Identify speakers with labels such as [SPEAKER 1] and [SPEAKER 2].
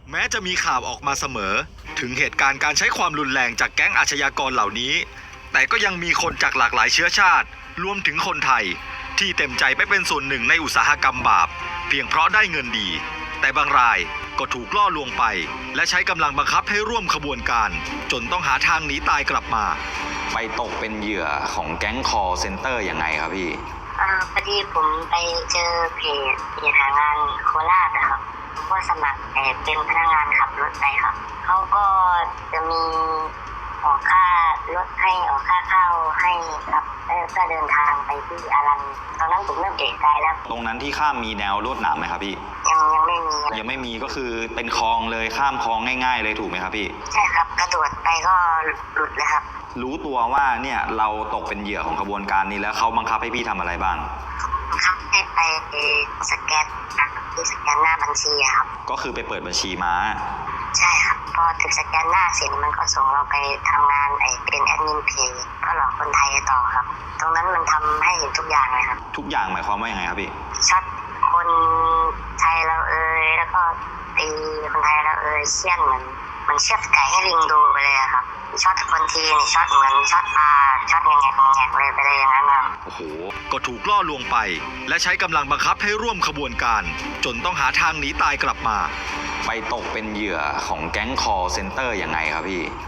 [SPEAKER 1] แม้จะมีข่าวออกมาเสมอถึงเหตุการณ์การใช้ความรุนแรงจากแก๊งอาชญากรเหล่านี้แต่ก็ยังมีคนจากหลากหลายเชื้อชาติรวมถึงคนไทยที่เต็มใจไปเป็นส่วนหนึ่งในอุตสาหกรรมบาปเพียงเพราะได้เงินดีแต่บางรายก็ถูกล่อลวงไปและใช้กำลังบังคับให้ร่วมขบวนการจนต้องหาทางหนีตายกลับมา
[SPEAKER 2] ไปตกเป็นเหยื่อของแก๊งคอลเซ็นเตอร์ยังไงครับพี่
[SPEAKER 3] พอดีผมไปเจอเพจหางานโคราชนะครับผมก็สมัครเป็นพนักงานขับรถไปครับเขาก็จะมีออกค่ารถให้ออกค่าข้าวให้ครับก็เดินทางไปที่อารันตอนนั้นผมเริ่มเอะใจแล้ว
[SPEAKER 2] ตรงนั้นที่ข้ามมีแนวลวดหนามไหมครับพี่
[SPEAKER 3] ยังไม่มี
[SPEAKER 2] ก็คือเป็นคลองเลยข้ามคลองง่ายๆเลยถูกไหมครับพี่
[SPEAKER 3] ใช่ครับกระโดดไปก็หลุดเลยครับ
[SPEAKER 2] รู้ตัวว่าเนี่ยเราตกเป็นเหยื่อของขบวนการนี้แล้วเขาบังคับให้พี่ทำอะไรบ้าง
[SPEAKER 3] บังคับให้ไปสแกนหน้าบัญชีครับ
[SPEAKER 2] ก็คือไปเปิดบัญชีม้า
[SPEAKER 3] ใช่ครับพอถึงสแกนหน้าเสร็จมันก็ส่งเราไปทำงานเป็นแอดมินเพจก็หลอกคนไทยต่อครับตรงนั้นมันทำให้เห็นทุกอย่างเลยครับ
[SPEAKER 2] ทุกอย่างหมายความว่ายังไงครับพี่
[SPEAKER 3] ช็อตคนไทยเราแล้วก็ตีคนไทยเราเชี่ยนเหมือนเชือดไก่ให้ลิงดูไปเลยครับช็อตคนทีนี่ช็อตเหมือนช็อตปลาช็อตแงกเลยไปเลยอย่างนั้นครับ
[SPEAKER 1] โอ้โหก็ถูกล่อลวงไปและใช้กำลังบังคับให้ร่วมขบวนการจนต้องหาทางหนีตายกลับมา
[SPEAKER 2] ไปตกเป็นเหยื่อของแก๊งคอลเซ็นเตอร์ยังไงครับพี่